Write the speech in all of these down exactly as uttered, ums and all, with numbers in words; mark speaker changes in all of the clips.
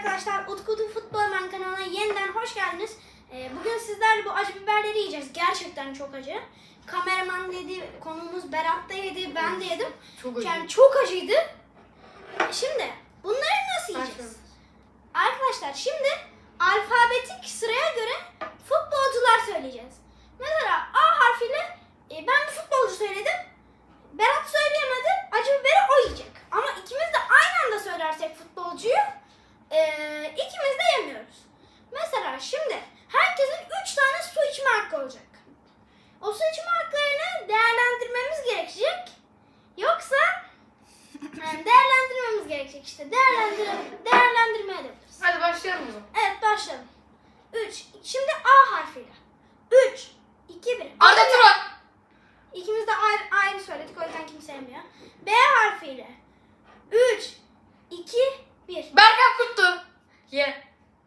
Speaker 1: arkadaşlar, Utku'nun Futbolman kanalına yeniden hoş geldiniz. Ee, bugün sizlerle bu acı biberleri yiyeceğiz. Gerçekten çok acı. Kameraman dedi, konuğumuz Berat da yedi, ben de yedim.
Speaker 2: Çok acı.
Speaker 1: Yani çok acıydı. Şimdi bunları nasıl yiyeceğiz? Arkadaşlar şimdi alfabetik sıraya göre futbolcular söyleyeceğiz. Mesela A harfiyle e, ben bir futbolcu söyledim. Berat söyleyemedi. Acı biberi o yiyecek. Ama ikimiz de aynı anda söylersek futbolcuyu e, ikimiz de yemiyoruz. Mesela şimdi herkesin üç tane su içme hakkı olacak. O su içme haklarını değerlendirmemiz gerekecek. Yoksa yani değerlendirmemiz gerekecek işte. Değerlendir değerlendirme edebiliriz.
Speaker 2: Hadi başlayalım o zaman.
Speaker 1: Evet, başlayalım. üç. Şimdi A harfiyle. üç, iki, bir.
Speaker 2: Arda Turan.
Speaker 1: İkimiz de ayrı, ayrı söyledik, o yüzden kimse sevmiyor. B harfiyle. üç, iki, bir.
Speaker 2: Berkan Kutlu. Ye.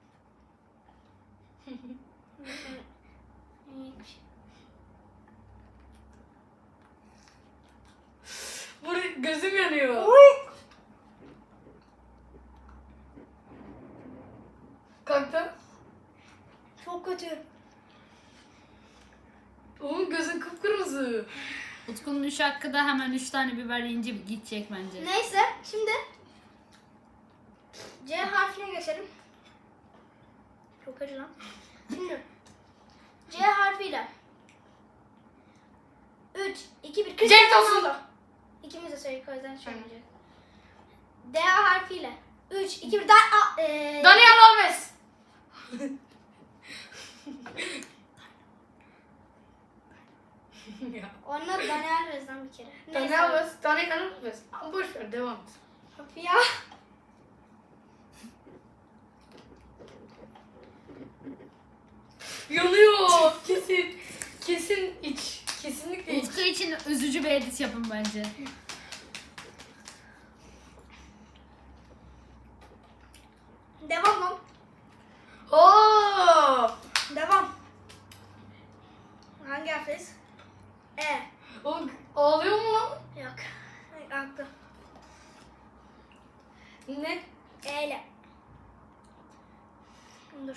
Speaker 2: Buraya gözüm yanıyor. Kalktı.
Speaker 1: Çok kötü.
Speaker 2: Oğlum gözün kıpkırmızı.
Speaker 3: Utku'nun üç hakkı da hemen üç tane biber yiyince gidecek bence.
Speaker 1: Neyse, şimdi C harfine geçelim. Çok acı lan. Şimdi C harfiyle. üç, iki, bir.
Speaker 2: Cenk Tosun.
Speaker 1: İkimiz de söyledik, o yüzden söylemeyeceğiz. D harfiyle. üç, iki, bir. Da, a, e,
Speaker 2: Daniel Alves. Ya.
Speaker 1: Onlar Daniel Vez'den bir kere.
Speaker 2: Daniel Alves. Daniel Alves. Ama boş ver, devam et.
Speaker 1: Of ya.
Speaker 2: Yanıyor. Kesin. Kesin iç. Kesinlikle iç.
Speaker 3: Utku için üzücü bir edit yapın bence.
Speaker 1: Devam lan.
Speaker 2: Oo!
Speaker 1: Devam. Hangi harfteyiz? E.
Speaker 2: Oğlum ağlıyor mu lan?
Speaker 1: Yok. Aklı.
Speaker 2: Ne?
Speaker 1: E ile. Dur.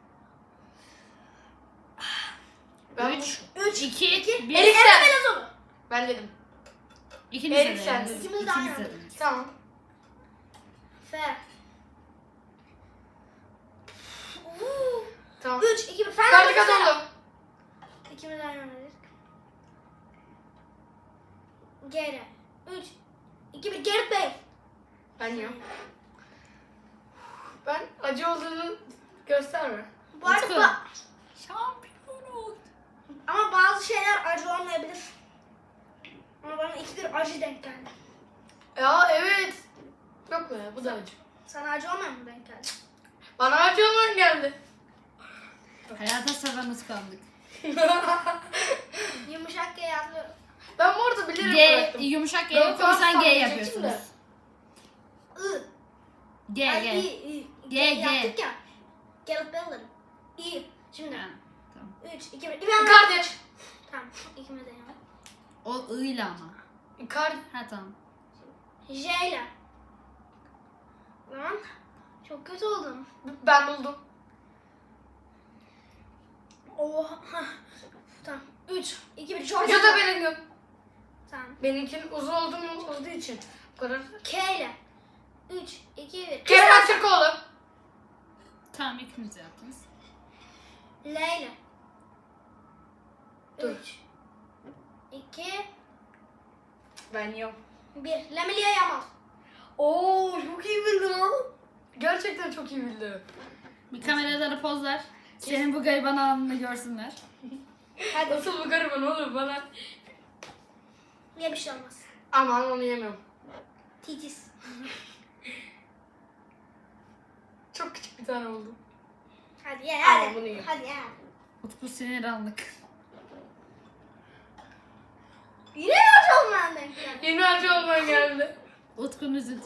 Speaker 2: Ben
Speaker 3: üç,
Speaker 1: Üç,
Speaker 3: iki,
Speaker 1: iki.
Speaker 3: bir.
Speaker 2: Eriksen.
Speaker 1: Eren Belezoğlu.
Speaker 2: Ben dedim.
Speaker 3: İkiniz de
Speaker 2: Eriksen
Speaker 3: dediniz.
Speaker 2: dedim.
Speaker 1: İkimiz de aynı.
Speaker 3: İkiniz de dediniz.
Speaker 2: Tamam.
Speaker 1: F. Uuu.
Speaker 2: Tamam.
Speaker 1: Üç, iki, bir. Fen
Speaker 2: Ferdi Kadıoğlu.
Speaker 1: İkimiz de aynı anda dedik. G ile. Üç, iki, bir. Gerrit Bey.
Speaker 2: Ben yok. Ben acı olduğunu gösterme.
Speaker 1: Bu arada
Speaker 3: Utku.
Speaker 1: ba-
Speaker 3: Şampiyon.
Speaker 1: ama bazı şeyler acı olmayabilir. Ama bana ikidir acı denk geldi.
Speaker 2: Ya evet. Yok be, bu da acı.
Speaker 1: Sana acı olmayan mı denk geldi?
Speaker 2: Bana acı olman geldi.
Speaker 3: Hayata seven Utku aldık.
Speaker 1: Yumuşak G yazıyor.
Speaker 2: Ben bu arada bilerek
Speaker 3: G,
Speaker 2: bıraktım.
Speaker 3: yumuşak G
Speaker 2: Ben
Speaker 3: yok, o yüzden
Speaker 2: daha
Speaker 3: G
Speaker 2: diyecektim
Speaker 3: yapıyorsunuz.
Speaker 1: I.
Speaker 3: G,
Speaker 1: Ay,
Speaker 3: G.
Speaker 1: I, I.
Speaker 3: G,
Speaker 1: G
Speaker 3: G.
Speaker 1: yaptık ya. Gerrit Bey'lerim. I. Şimdi.
Speaker 3: Ha, tamam.
Speaker 1: Üç, iki, bir. İbrahim.
Speaker 2: Kardeş.
Speaker 1: Tamam. İkimiz de yandık.
Speaker 3: O I ile ama.
Speaker 2: Kar.
Speaker 3: Ha tamam.
Speaker 1: J ile. Lan. Çok kötü oldum.
Speaker 2: Ben buldum.
Speaker 1: Oha. Hah. Tamam. Üç, iki, bir. Çok
Speaker 2: Jude Bellingham.
Speaker 1: Tamam.
Speaker 2: Benimkinin uzun olduğu olduğu için. Bu kadar.
Speaker 1: K ile. Üç, iki, bir.
Speaker 2: Kerem Aktürkoğlu.
Speaker 3: Tamam, ikiniz de yaptınız.
Speaker 1: L ile.
Speaker 2: Dur.
Speaker 1: Üç, iki,
Speaker 2: Ben yok.
Speaker 1: bir. Lamine Yamal.
Speaker 2: Oo, çok iyi bildin lan. Gerçekten çok iyi bildi.
Speaker 3: Bir kameralara poz ver. Senin bu gariban anını görsünler.
Speaker 1: Hadi.
Speaker 2: Nasıl bu gariban oğlum bana?
Speaker 1: Niye bir şey olmaz.
Speaker 2: Aman onu yemiyorum.
Speaker 1: Titiz.
Speaker 2: Çok küçük bir tane oldu.
Speaker 1: Hadi ye
Speaker 2: Ama
Speaker 1: hadi.
Speaker 2: bunu ye.
Speaker 1: Hadi ye.
Speaker 3: Utku sinir anlık.
Speaker 1: Yine acı olmayan denk geldi.
Speaker 2: Yeni acı olman geldi.
Speaker 3: Utku'nun üzüntü.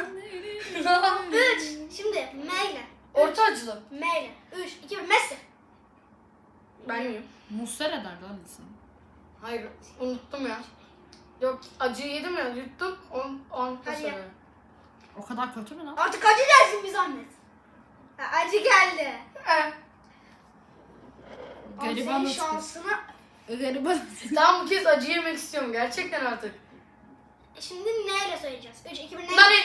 Speaker 1: Üç. Şimdi M ile.
Speaker 2: Orta acılı.
Speaker 1: M ile. Üç, iki, bir. Messi.
Speaker 2: Ben yiyeyim.
Speaker 3: Muslera derdi lan insan.
Speaker 2: Hayır, unuttum ya. Yok, acıyı yedim ya, yuttum. On, on
Speaker 1: Hadi
Speaker 2: sonra.
Speaker 3: O kadar kötü mü lan?
Speaker 1: Artık acı dersin bir zahmet.
Speaker 3: Gariban
Speaker 1: Senin
Speaker 3: Utku.
Speaker 1: şansına.
Speaker 3: Gariban.
Speaker 2: Tamam bu kez acı yemek istiyorum gerçekten artık.
Speaker 1: Şimdi neyle söyleyeceğiz? üç, iki, bir ne?
Speaker 2: Nani?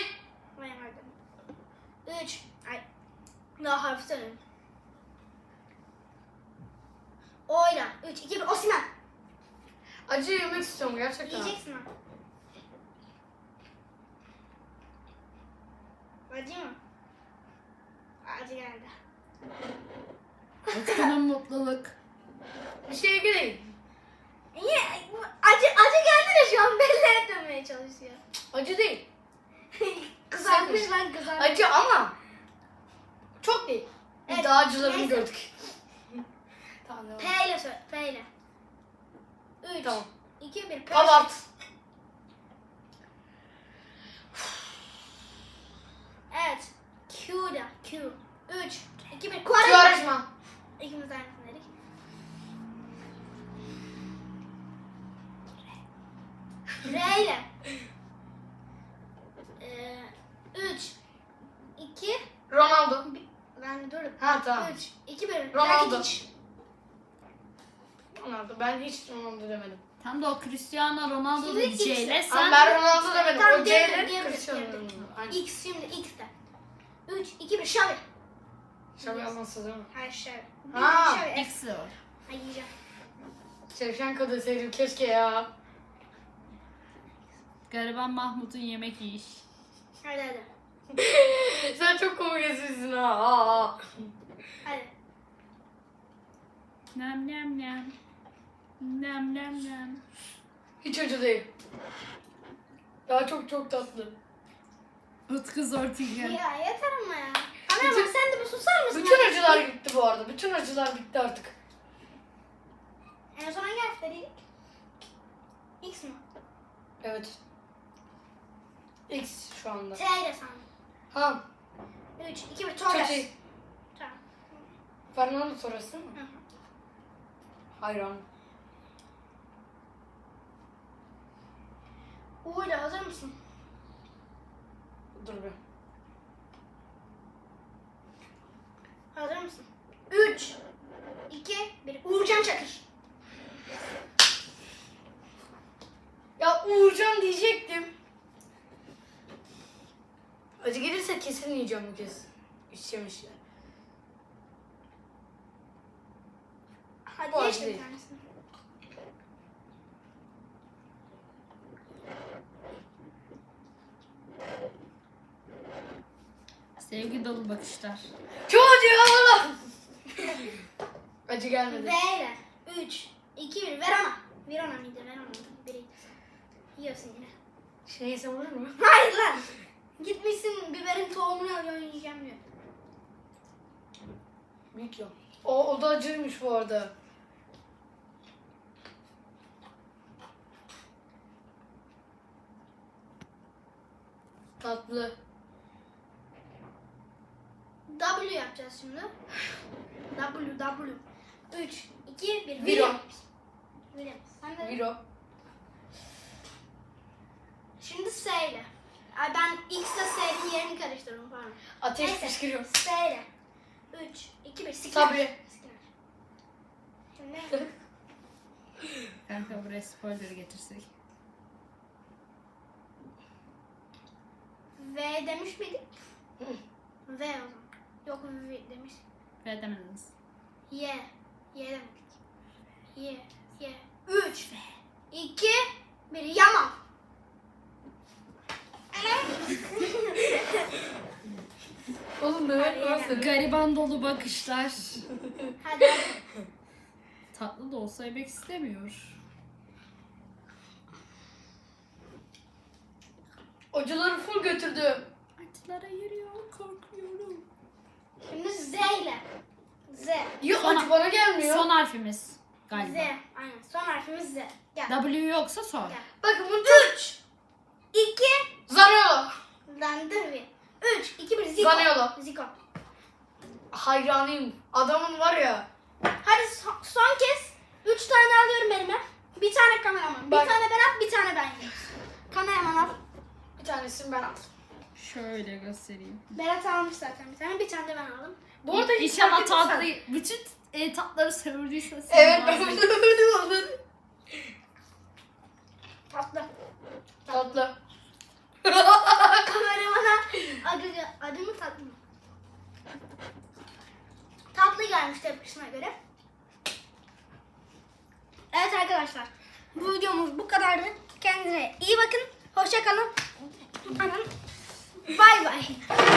Speaker 1: üç. Ay. Daha harfi söyleyeyim. Oyla. üç, iki, bir. Osimhen.
Speaker 2: Acı yemek istiyorum gerçekten.
Speaker 1: Yiyeceksin ha. Acı mı? Acı geldi.
Speaker 3: Utku'nun mutluluk.
Speaker 2: Bir şeye gireyim.
Speaker 1: Niye? Acı, acı geldi de şu an belli etmemeye çalışıyor.
Speaker 2: Acı değil.
Speaker 1: Kızartmış lan kızartmış.
Speaker 2: Acı ama çok değil. Biz
Speaker 1: Evet,
Speaker 2: daha acılarını
Speaker 1: neyse.
Speaker 2: gördük. Tamam devam.
Speaker 1: P ile söyle. P ile. üç,
Speaker 2: Tamam.
Speaker 1: iki, bir. P.
Speaker 2: Pavart.
Speaker 1: Evet. Q'da. Q. üç, iki, bir. Quaresma.
Speaker 2: Quaresma.
Speaker 1: İkimiz de aynısını dedik. R ile. Ee, üç, iki,
Speaker 2: Ronaldo.
Speaker 1: ben dur.
Speaker 2: Ha tamam.
Speaker 1: üç, iki, bir.
Speaker 2: Ronaldo.
Speaker 1: Rakitic.
Speaker 2: Ronaldo. Ben hiç Ronaldo demedim.
Speaker 3: Tam da o Cristiano Ronaldo
Speaker 1: Şimdi
Speaker 3: da C ile
Speaker 1: X.
Speaker 2: Ama
Speaker 3: sen
Speaker 2: ben Ronaldo demedim.
Speaker 1: Tamam,
Speaker 2: O
Speaker 1: diyebilirim,
Speaker 2: C'yle
Speaker 1: diyebilirim,
Speaker 2: Cristiano
Speaker 1: diyebilirim.
Speaker 2: Ronaldo. Aynen.
Speaker 1: X şimdi X'te. üç, iki, bir. Xavi.
Speaker 2: Şabi alması değil mi?
Speaker 1: Hayır Xavi.
Speaker 2: Ha,
Speaker 1: Xavi.
Speaker 3: X'i o.
Speaker 1: Hayır yiyeceğim.
Speaker 2: Şevşenko deseydim keşke ya.
Speaker 3: Gariban Mahmut'un yemek yiyiş.
Speaker 1: Hadi hadi.
Speaker 2: Sen çok komik esiyorsun ha. Aa.
Speaker 1: Hadi.
Speaker 3: Nem nem nem. Nem nem nem.
Speaker 2: Hiç acı değil. Daha çok çok tatlı.
Speaker 3: Utku Zortingen.
Speaker 1: Ya yeter ama ya. Kameraman
Speaker 2: Bütün-
Speaker 1: sen de bir susar mısın?
Speaker 2: Bütün
Speaker 1: ya?
Speaker 2: acılar gitti bu arada. Bütün acılar bitti artık.
Speaker 1: En son hangi harf dedik? X mi?
Speaker 2: Evet. X şu anda.
Speaker 1: T ile sandım.
Speaker 2: Ha.
Speaker 1: üç, iki, bir. Torres.
Speaker 2: Çok iyi.
Speaker 1: Tamam.
Speaker 2: Fernando Torres değil mi?
Speaker 1: Hı hı.
Speaker 2: Hayran.
Speaker 1: U ile hazır mısın?
Speaker 2: Dur bir.
Speaker 1: Hazır mısın? üç, iki, bir. Uğurcan Çakır.
Speaker 2: Ya Uğurcan diyecektim. Acı gelirse kesin yiyeceğim bu kez. İçeceğim işte.
Speaker 1: Hadi
Speaker 2: Bu
Speaker 1: ye
Speaker 2: acı
Speaker 1: işte bir
Speaker 2: değil.
Speaker 1: tanesini.
Speaker 3: Sevgi dolu bakışlar.
Speaker 2: Çok acı ya valla. Acı gelmedi.
Speaker 1: V ile. üç, iki, bir. Verona. Verona mıydı? Verona mıydı? Biriydi. Yiyorsun yine.
Speaker 2: Şey yesem olur mu?
Speaker 1: Hayır lan. Gitmişsin biberin tohumunu alıyorsun yiyeceğim diyor.
Speaker 2: Büyük ya. O, o da acıymış bu arada. Tatlı.
Speaker 1: W yapacağız şimdi. W, W. üç, iki, bir.
Speaker 2: Viro.
Speaker 1: Williams. Sen de.
Speaker 2: Viro.
Speaker 1: Şimdi S ile. Ay ben X ile S'nin yerini karıştırdım pardon.
Speaker 2: Ateş
Speaker 1: Neyse.
Speaker 2: fışkırıyor.
Speaker 1: S ile. üç, iki, bir. Sikler.
Speaker 2: Sabri.
Speaker 1: Sikler. Şimdi
Speaker 3: Kanka buraya spoiler'ı getirsek.
Speaker 1: V demiş miydik?
Speaker 2: Hı.
Speaker 1: V o zaman. Yok V demiş.
Speaker 3: Ve demediniz.
Speaker 1: Y. Y demedik. Y. Y. üç, iki, bir. Yaman.
Speaker 2: Oğlum Mehmet nasıl?
Speaker 3: Gariban dolu bakışlar.
Speaker 1: Hadi hadi.
Speaker 3: Tatlı da olsa yemek istemiyor.
Speaker 2: Acıları full götürdü.
Speaker 3: Acılara yürüyor, korkuyorum.
Speaker 1: Şimdi Z ile. Z.
Speaker 2: Yok
Speaker 3: Son-
Speaker 2: acı bana gelmiyor.
Speaker 3: Son harfimiz
Speaker 1: Z.
Speaker 3: galiba.
Speaker 1: Aynen. Son harfimiz Z. Gel.
Speaker 3: W yoksa sor.
Speaker 1: Gel.
Speaker 2: Bakın bu
Speaker 1: üç, iki,
Speaker 2: Zaniolo.
Speaker 1: lan dur bir. üç, iki, bir. Zico.
Speaker 2: Zaniolo.
Speaker 1: Zico.
Speaker 2: Hayranıyım. Adamın var ya.
Speaker 1: Hadi son, son kez üç tane alıyorum elime. Bir tane kameraman.
Speaker 2: Bak.
Speaker 1: Bir tane Berat, bir tane ben yiyeyim. Kameraman al.
Speaker 2: Bir tanesini ben aldım.
Speaker 3: Şöyle göstereyim.
Speaker 1: Berat almış zaten bir tane. Bir tane de ben aldım.
Speaker 2: Bu arada hiç
Speaker 3: İnşallah
Speaker 2: fark etmezsen-
Speaker 3: tatlı, bütün e, tatları sevdiyse sen
Speaker 2: Evet ben
Speaker 3: bazen-
Speaker 2: bilemedim onları.
Speaker 1: Tatlı.
Speaker 2: Tatlı.
Speaker 1: Kameramana acı, acı mı tatlı mı? Tatlı gelmiş tepkisine göre. Evet arkadaşlar. Bu videomuz bu kadardı. Kendinize iyi bakın. Hoşça kalın. Bay bay.